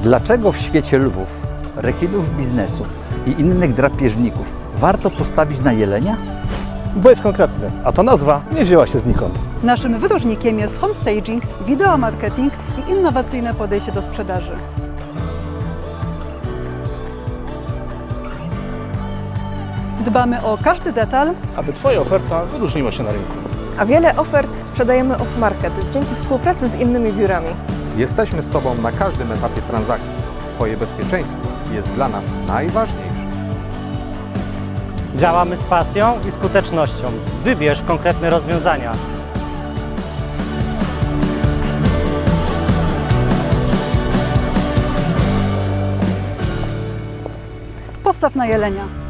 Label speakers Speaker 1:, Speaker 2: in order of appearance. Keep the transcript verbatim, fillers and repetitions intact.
Speaker 1: Dlaczego w świecie lwów, rekinów biznesu i innych drapieżników warto postawić na jelenia?
Speaker 2: Bo jest konkretny, a ta nazwa nie wzięła się znikąd.
Speaker 3: Naszym wyróżnikiem jest homestaging, wideomarketing i innowacyjne podejście do sprzedaży. Dbamy o każdy detal,
Speaker 2: Aby Twoja oferta wyróżniła się na rynku.
Speaker 4: A wiele ofert sprzedajemy off-market dzięki współpracy z innymi biurami.
Speaker 5: Jesteśmy z Tobą na każdym etapie transakcji. Twoje bezpieczeństwo jest dla nas najważniejsze.
Speaker 6: Działamy z pasją i skutecznością. Wybierz konkretne rozwiązania.
Speaker 3: postaw na jelenia.